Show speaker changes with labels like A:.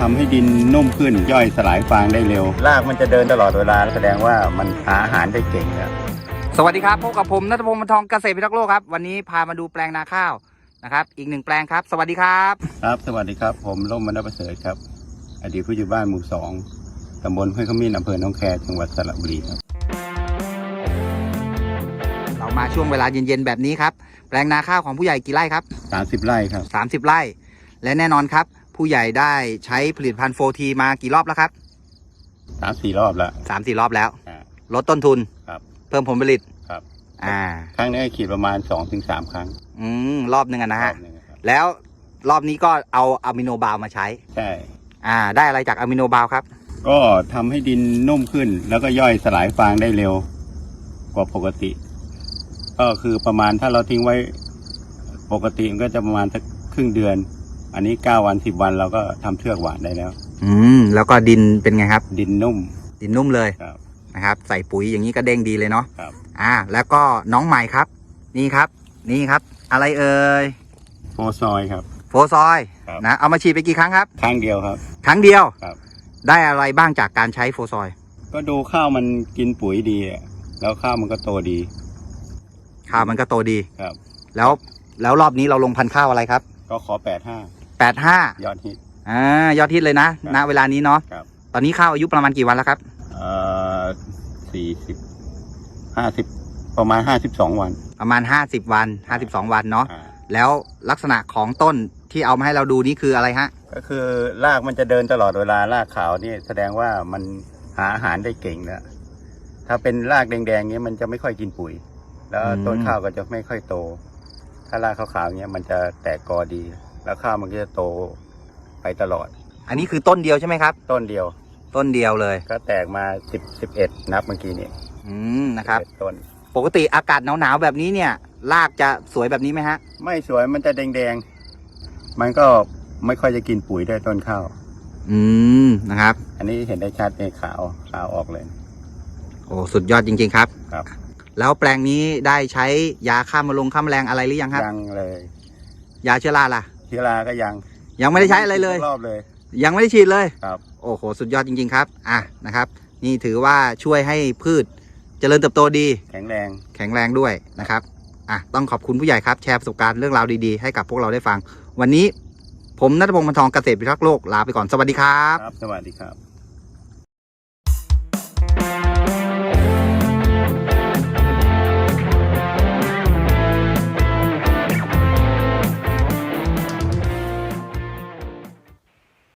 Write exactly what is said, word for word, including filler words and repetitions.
A: ทำให้ดินนุ่มขึ้นย่อยสลายฟางได้เร็วรากมันจะเดินตลอดเวลาแสดงว่ามันหาอาหารได้เก่งครับ
B: สวัสดีครับพบกับผมณัฐพงศ์ บรรทองเกษตรพิทักษ์โลกครับวันนี้พามาดูแปลงนาข้าวนะครับอีกหนึ่งแปลงครับสวัสดีครับ
A: ครับสวัสดีครับผมร่มมณประเสริฐครับอดีตผู้ใหญ่บ้านหมู่สองตำบลห้วยขมิ้นอำเภอหนองแคจังหวัดสระบุรีครับ
B: เรามาช่วงเวลาเย็นๆแบบนี้ครับแปลงนาข้าวของผู้ใหญ่กี่ไร่ครับ
A: สามสิบไร่ครับ
B: สามสิบไร่และแน่นอนครับผู้ใหญ่ได้ใช้ผลิตภัณฑ์โฟทีมากี่รอบแล้วครับ
A: สามสี่รอบแล้ว
B: สามสี่รอบแล้วลดต้นทุน
A: ครับ
B: เพิ่มผลผลิต
A: ครับ
B: อ่า
A: ครั้งนี้ขีดประมาณสองถึงสามครั้ง
B: อืมรอบหนึ่งนะฮะแล้วรอบนี้ก็เอาอะมิโนบาวมาใช้
A: ใช่
B: อ่าได้อะไรจากอะมิโนบาวครับ
A: ก็ทำให้ดินนุ่มขึ้นแล้วก็ย่อยสลายฟางได้เร็วกว่าปกติก็คือประมาณถ้าเราทิ้งไว้ปกติมันก็จะประมาณสักครึ่งเดือนอันนี้เก้าวันสิบวันเราก็ทำเทือกหวานได้แล้ว
B: อืมแล้วก็ดินเป็นไงครับ
A: ดินนุ่ม
B: ดินนุ่มเลย
A: ครับ
B: นะครับใส่ปุ๋ยอย่างนี้ก็เด้งดีเลยเนาะ
A: ครับ
B: อ่าแล้วก็น้องใหม่ครับนี่ครับนี่ครับอะไรเอ่ย
A: โฟซอยครับ
B: โฟซอยนะเอามาฉีดไปกี่ครั้งครับ
A: ครั้งเดียวครับ
B: ครั้งเดียว
A: ครับ
B: ได้อะไรบ้างจากการใช้โฟซอย
A: ก็ดูข้าวมันกินปุ๋ยดีแล้วข้าวมันก็โตดี
B: ข้าวมันก็โตดี
A: ครับ
B: แล้วแล้วรอบนี้เราลงพันธุ์ข้าวอะไรครับ
A: ก็ขอแปดห้า
B: แปดห้าย
A: อดฮิต
B: อ่ายอดฮิตเลยนะณเวลานี้เนาะตอนนี้ข้าวอายุประมาณกี่วันแล้วครับ
A: เอ่อสี่สิบห้าสิบประมาณห้าสิบสองวัน
B: ประมาณห้าสิบวันห้าสิบสองวันเนาะแล้วลักษณะของต้นที่เอามาให้เราดูนี่คืออะไรฮะ
A: ก็คือรากมันจะเดินตลอดเวลารากขาวนี่แสดงว่ามันหาอาหารได้เก่งแล้วถ้าเป็นรากแดงๆเนี้ยมันจะไม่ค่อยกินปุ๋ยแล้วต้นข้าวก็จะไม่ค่อยโตถ้ารากขาวๆเนี้ยมันจะแตกกอดีแล้วข้าวมันก็จะโตไปตลอด
B: อันนี้คือต้นเดียวใช่ไหมครับ
A: ต้นเดียว
B: ต้นเดียวเลย
A: ก็แตกมาสิบสิบเอ็ดนับเมื่อกี้นี้
B: อืมนะครับ
A: ต้น
B: ปกติอากาศหนาวๆแบบนี้เนี่ยรากจะสวยแบบนี้ไหมฮะ
A: ไม่สวยมันจะแดงๆมันก็ไม่ค่อยจะกินปุ๋ยได้ต้นข้าว
B: อืมนะครับ
A: อันนี้เห็นได้ชัดในขาวขาวออกเลย
B: โอ้สุดยอดจริงๆครับ
A: ครับ
B: แล้วแปลงนี้ได้ใช้ยาฆ่ามาลงฆ่าแมลงอะไรหรือยังครับ
A: ยังเลย
B: ยาเชื้อราล่ะ
A: เชื้อราก็ยัง
B: ยังไม่ได้ใช้อะไรเลย
A: รอบเลย
B: ยังไม่ได้ฉีดเลย
A: ครับ
B: โอ้โหสุดยอดจริงๆครับอ่ะนะครับนี่ถือว่าช่วยให้พืชเจริญเติบโตดี
A: แข็งแรง
B: แข็งแรงด้วยนะครับอ่ะต้องขอบคุณผู้ใหญ่ครับแชร์ประสบการณ์เรื่องราวดีๆให้กับพวกเราได้ฟังวันนี้ผมณัฐพงศ์ บรรทองเกษตรพิทักษ์โลกลาไปก่อนสวัสดีครับ
A: ครับสวัสดีครับ